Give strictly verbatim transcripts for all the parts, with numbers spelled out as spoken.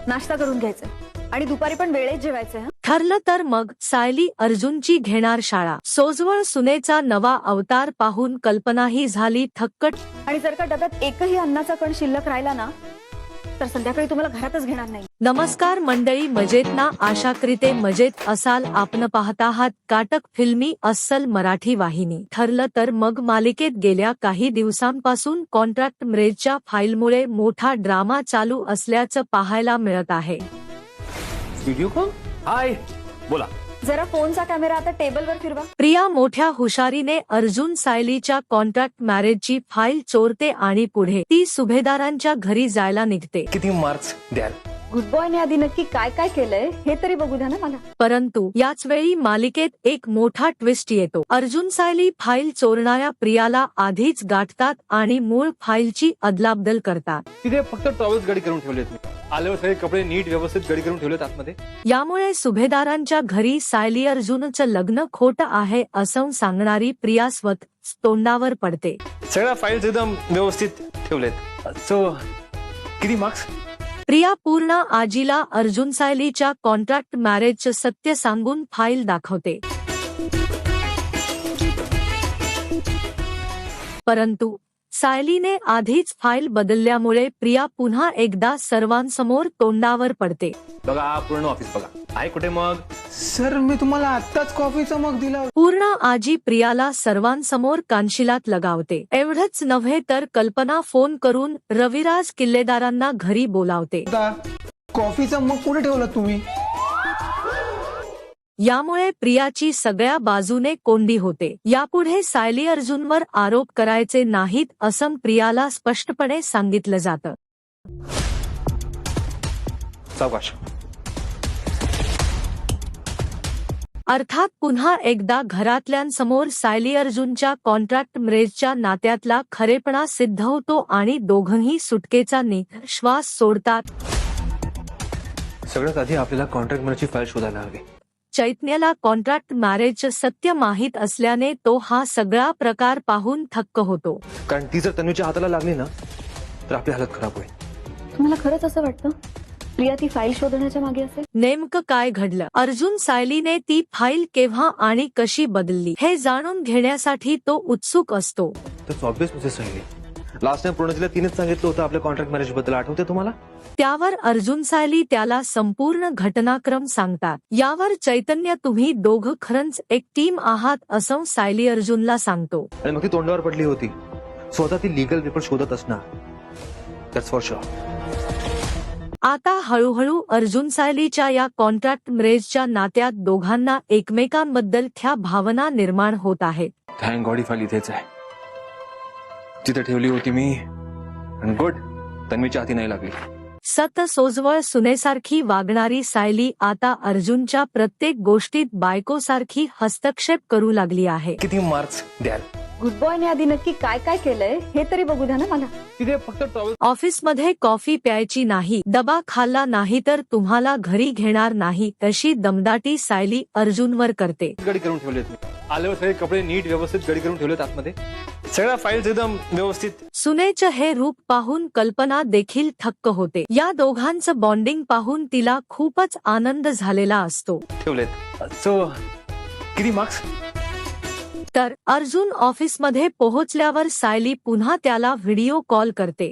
नाश्ता करून घ्यायचा आणि दुपारी पण वेळेत जेवायचंय हं? ठरलं तर मग सायली अर्जुनची घेणार शाळा. सोजवळ सुनेचा नवा अवतार पाहून कल्पनाही झाली थक्क. आणि जर का डब्यात एकही अन्नाचा कण शिल्लक राहिला ना तर संध्याकाळी तुम्हाला घरातच घेणार नाही. नमस्कार मंडळी, मजेत ना? आशा करीते मजेत असाल. आपण पाहत आहात काटक फिल्मी अस्सल मराठी वाहिनी. ठरलं तर मग मालिकेत गेल्या काही दिवसांपासून कॉन्ट्रॅक्ट मॅरेजच्या फाईलमुळे मोठा ड्रामा चालू असल्याचं पाहायला मिळत आहे. Video call. हाय, बोला. जरा फोनचा कॅमेरा आता टेबलवर फिरवा. प्रिया मोठ्या हुशारीने अर्जुन सायलीच्या कॉन्ट्रॅक्ट मॅरेजची फाईल चोरते आणि पुढे ती सुभेदारांच्या घरी जायला निघते. किती मार्क्स द्याल? गुड बॉयने आधी नक्की काय काय केलंय हे तरी बघू द्या ना मला. परंतु याच वेळी मालिकेत एक मोठा ट्विस्ट येतो. अर्जुन सायली फाईल चोरणाऱ्या प्रियाला आधीच गाठतात आणि मूळ फाईलची अदलाबदल करतात. तिथे फक्त टॉवेल्स गडी करून ठेवलेत मी. आल्यावर सगळे कपडे नीट व्यवस्थित गडी करून ठेवलेत आतमध्ये. यामुळे सुभेदारांच्या घरी सायली अर्जुनचं लग्न खोटं आहे असं सांगणारी प्रिया स्वतः तोंडावर पडते. सगळ्या फाईल्स एकदम व्यवस्थित ठेवलेत. सो किती मार्क्स? प्रिया पूर्ण आजीला अर्जुन सायलीच्या कॉन्ट्रॅक्ट मॅरेजचं सत्य सांगून फाईल दाखवते. परंतु सायलीने आधीच फाईल बदलल्यामुळे प्रिया पुन्हा एकदा सर्वांसमोर तोंडावर पडते. बघा, पूर्ण ऑफिस बघा. आहे कुठे मग? सर, मी तुम्हाला आत्ताच कॉफीचा मग दिला. पूर्ण आजी प्रियाला सर्वांसमोर कानशिलात लगावते. एवढंच नव्हे तर कल्पना फोन करून रविराज किल्लेदारांना घरी बोलावते. कॉफीचा मग कुठे ठेवला तुम्ही? यामुळे प्रियाची सगळ्या बाजूने कोंडी होते. यापुढे सायली अर्जुनवर आरोप करायचे नाहीत असं प्रियाला स्पष्टपणे सांगितलं जातं. सावकाश. अर्थात पुन्हा एकदा घरातल्यांसमोर सायली अर्जुनच्या कॉन्ट्रॅक्ट मॅरेजच्या नात्यातला खरेपणा सिद्ध होतो आणि दोघंही सुटकेचा निःश्वास सोडतात. सगळ्यात आधी आपल्याला कॉन्ट्रॅक्ट मॅरेजची फाईल शोधायला हवी. चैतन्याला कॉन्ट्रॅक्ट मॅरेजचं सत्य माहीत असल्याने तो हा सगळा प्रकार पाहून थक्क होतो. कारण ती जर तन्वीच्या हाताला लागली ना तर आपली हालत खराब होईल. तुम्हाला खरंच असं वाटतं प्रिया ती फाईल शोधण्याच्या मागे असेल? नेमकं काय घडलं? अर्जुन सायलीने ती फाईल केव्हा आणि कशी बदलली हे जाणून घेण्यासाठी तो उत्सुक असतो. तर ऑब्विस प्रोसेस आहे. लास्ट टाइम पूर्णजीला तिनेच सांगितलं होतं आपल्या कॉन्ट्रॅक्ट मॅरेज बद्दल. आठवते तुम्हाला? त्यावर अर्जुन सायली त्याला संपूर्ण घटनाक्रम सांगतात. यावर चैतन्य, तुम्ही दोघं खरंच एक टीम आहात असं सायली अर्जुनला सांगतो. आणि मग ती तोंडावर पडली होती. स्वतः ती लिगल पेपर शोधत असणार. That's for sure. आता हळूहळू अर्जुन सायलीच्या या कॉन्ट्रॅक्ट मॅरेजच्या नात्यात दोघांना एकमेकांबद्दल त्या भावना निर्माण होत आहेत. थँक गॉड ही फाईल इथेच आहे जिथे ठेवली होती मी. आणि गुड, तन्वीच्या हाती नाही लागली. सत सोजवळ सुनेसारखी वागणारी सायली आता अर्जुनच्या प्रत्येक गोष्टीत बायकोसारखी हस्तक्षेप करू लागली आहे. किती मार्क्स द्याल? गुड बॉयने आधी नक्की काय काय केलंय हे तरी बघू द्या ना मला. तिथे फक्त टॉवेल. ऑफिसमध्ये कॉफी प्यायची नाही, डबा खाल्ला नाही तर तुम्हाला घरी घेणार नाही, तशी दमदाटी सायली अर्जुनवर करते. गडी करून ठेवलेत मी. आल्यावर सगळे कपडे नीट व्यवस्थित गडी करून ठेवलेत आतमध्ये. सगळ्या फाईल्स एकदम व्यवस्थित. सुनेचं हे रूप पाहून कल्पना देखील थक्क होते. या दोघांचं बॉन्डिंग पाहून तिला खूपच आनंद झालेला असतो. ठेवलेत. सो किती मार्क्स? तर अर्जुन ऑफिसमध्ये पोहोचल्यावर सायली पुन्हा त्याला व्हिडिओ कॉल करते.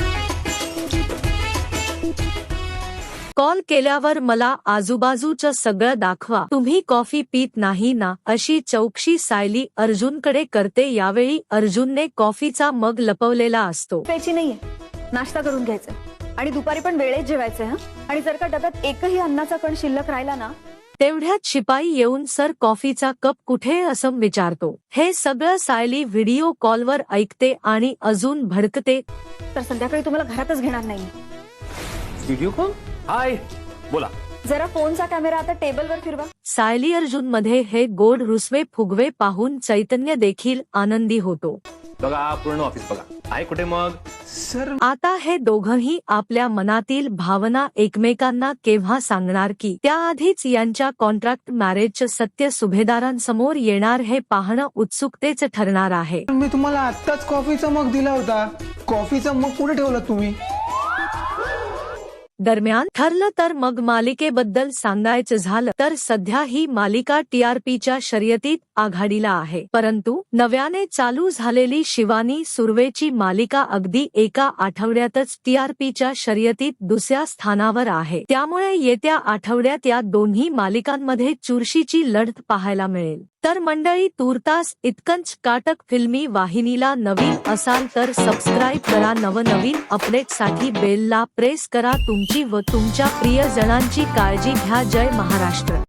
कॉल केल्यावर मला आजूबाजूचं सगळं दाखवा, तुम्ही कॉफी पित नाही ना, अशी चौकशी सायली अर्जुनकडे करते. यावेळी अर्जुनने कॉफीचा मग लपवलेला असतो. प्यायची नाहीये, नाश्ता करून घ्यायचा आणि दुपारी पण वेळेत जेवायचंय हं? आणि जर का डब्यात एकही अन्नाचा कण शिल्लक राहिला ना तेवढ्यात शिपाई येऊन सर कॉफीचा कप कुठे असं विचारतो. हे सगळं सायली व्हिडिओ कॉलवर ऐकते आणि अजून भडकते. तर संध्याकाळी तुम्हाला घरातच घेणार नाही. Video call. हाय, बोला. जरा फोनचा कॅमेरा आता टेबलवर फिरवा. सायली अर्जुन मध्ये हे गोड रुसवे फुगवे पाहून चैतन्य देखील आनंदी होतो. बघा, पूर्ण ऑफिस बघा. आहे कुठे मग? सर, आता हे दोघंही आपल्या मनातील भावना एकमेकांना केव्हा सांगणार की त्याआधीच यांच्या कॉन्ट्रॅक्ट मॅरेजचं सत्य सुभेदारांसमोर येणार हे पाहणं उत्सुकतेचं ठरणार आहे. मी तुम्हाला आत्ताच कॉफीचा मग दिला होता. कॉफीचा मग कुठे ठेवला तुम्ही? दरम्यान ठरलं तर मग मालिकेबद्दल सांगायचं झालं तर सध्या ही मालिका टीआरपीच्या शर्यतीत आघाडीला आहे. परंतु नव्याने चालू झालेली शिवानी सुर्वेची मालिका अगदी एका आठवड्यातच टीआरपीच्या शर्यतीत दुसऱ्या स्थानावर आहे. त्यामुळे येत्या आठवड्यात या दोन्ही मालिकांमध्ये चुरशीची लढत पाहायला मिळेल. तर मंडळी, तूर्तास इतकंच. काटक फिल्मी वाहिनीला नवीन असाल तर सबस्क्राईब करा. नवनवीन अपडेटसाठी बेलला प्रेस करा. तुमची व तुमच्या प्रियजनांची काळजी घ्या. जय महाराष्ट्र.